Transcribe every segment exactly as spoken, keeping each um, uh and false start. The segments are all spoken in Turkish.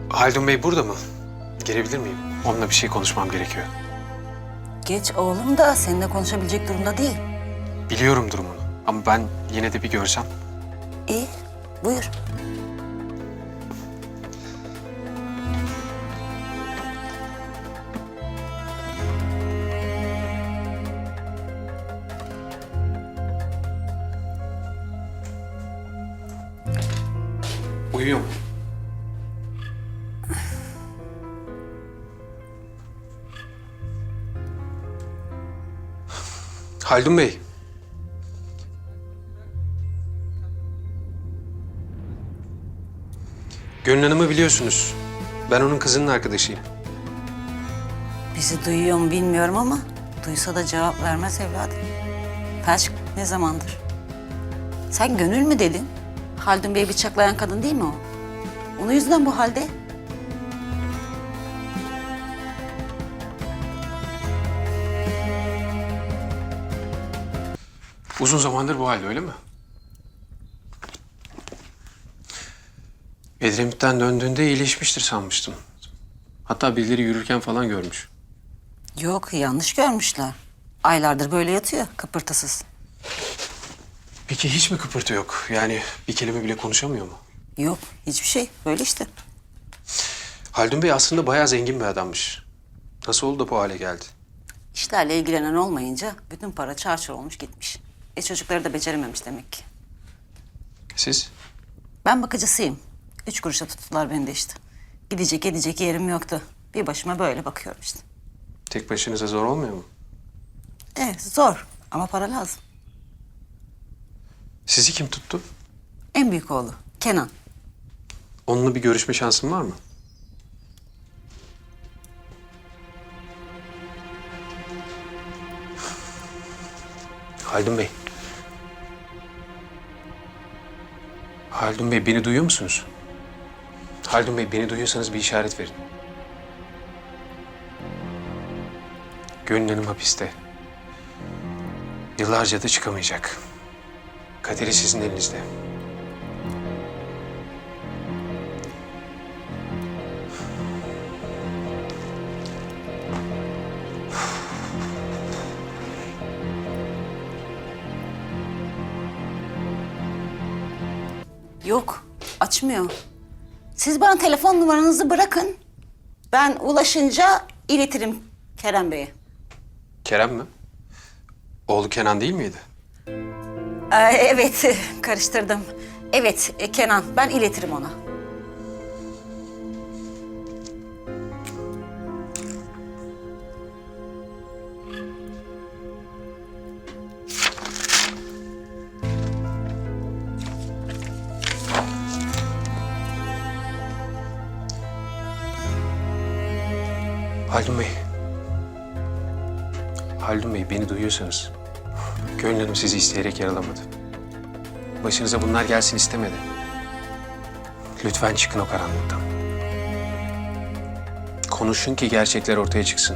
Haldun Bey burada mı? Gelebilir miyim? Onunla bir şey konuşmam gerekiyor. Geç oğlum da seninle konuşabilecek durumda değil. Biliyorum durumunu ama ben yine de bir görsem. İyi, buyur. Uyuyor mu? Haldun Bey. Gönül Hanım'ı biliyorsunuz. Ben onun kızının arkadaşıyım. Bizi duyuyor mu bilmiyorum ama duysa da cevap vermez evladım. Felç ne zamandır? Sen Gönül mü dedin? Haldun Bey'i bıçaklayan kadın değil mi o? Onun yüzünden bu halde. Uzun zamandır bu halde öyle mi? Edremit'ten döndüğünde iyileşmiştir sanmıştım. Hatta birileri yürürken falan görmüş. Yok, yanlış görmüşler. Aylardır böyle yatıyor, kıpırtısız. Peki hiç mi kıpırtı yok? Yani bir kelime bile konuşamıyor mu? Yok, hiçbir şey. Böyle işte. Haldun Bey aslında bayağı zengin bir adammış. Nasıl oldu da bu hale geldi? İşlerle ilgilenen olmayınca bütün para çarçur olmuş gitmiş. E çocukları da becerememiş demek ki. Siz? Ben bakıcısıyım. Üç kuruşa tuttular beni de işte. Gidecek edecek yerim yoktu. Bir başıma böyle bakıyorum işte. Tek başınıza zor olmuyor mu? Evet, zor ama para lazım. Sizi kim tuttu? En büyük oğlu Kenan. Onunla bir görüşme şansın var mı? Haldun Bey. Haldun Bey beni duyuyor musunuz? Haldun Bey beni duyuyorsanız bir işaret verin. Gönül Hanım hapiste. Yıllarca da çıkamayacak. Kaderi sizin elinizde. Yok, açmıyor. Siz bana telefon numaranızı bırakın. Ben ulaşınca iletirim Kerem Bey'e. Kerem mi? Oğlu Kenan değil miydi? Ee, evet, karıştırdım. Evet, e, Kenan. Ben iletirim ona. Haldun Bey. Haldun Bey beni duyuyorsanız. Gönül Hanım sizi isteyerek yaralamadı. Başınıza bunlar gelsin istemedi. Lütfen çıkın o karanlıktan. Konuşun ki gerçekler ortaya çıksın.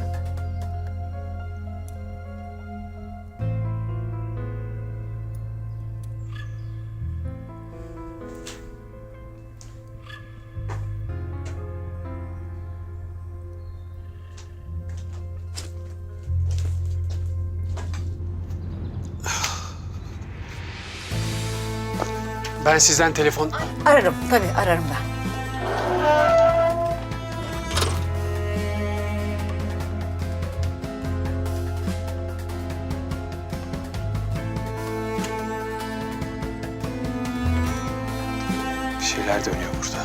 Ben sizden telefon... Ararım, tabii ararım ben. Bir şeyler dönüyor burada.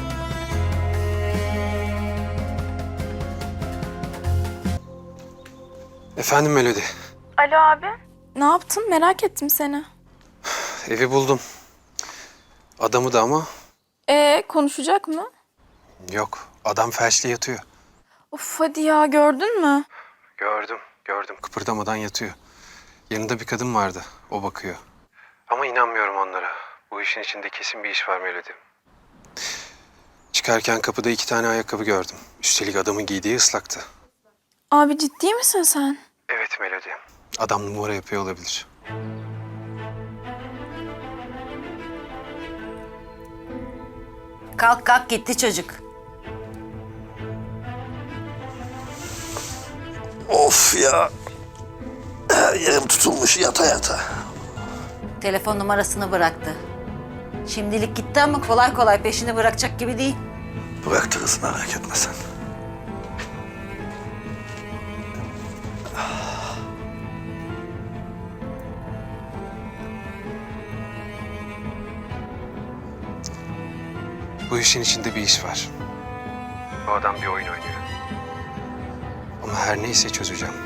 Efendim Melodi. Alo abi. Ne yaptın? Merak ettim seni. Evi buldum. Adamı da ama Ee, konuşacak mı? yok. Adam felçli yatıyor. Of hadi ya, gördün mü? Gördüm, gördüm. Kıpırdamadan yatıyor. Yanında bir kadın vardı. O bakıyor. Ama inanmıyorum onlara. Bu işin içinde kesin bir iş var Melodi. Çıkarken kapıda iki tane ayakkabı gördüm. Üstelik adamın giydiği ıslaktı. Abi ciddi misin sen? Evet Melodi. Adam numara yapıyor olabilir. Kalk kalk gitti çocuk. Of ya. Her yerim tutulmuş yata yata. Telefon numarasını bıraktı. Şimdilik gitti ama kolay kolay peşini bırakacak gibi değil. Bıraktırız merak etme sen. Bu işin içinde bir iş var. Bu adam bir oyun oynuyor. Ama her neyse çözeceğim.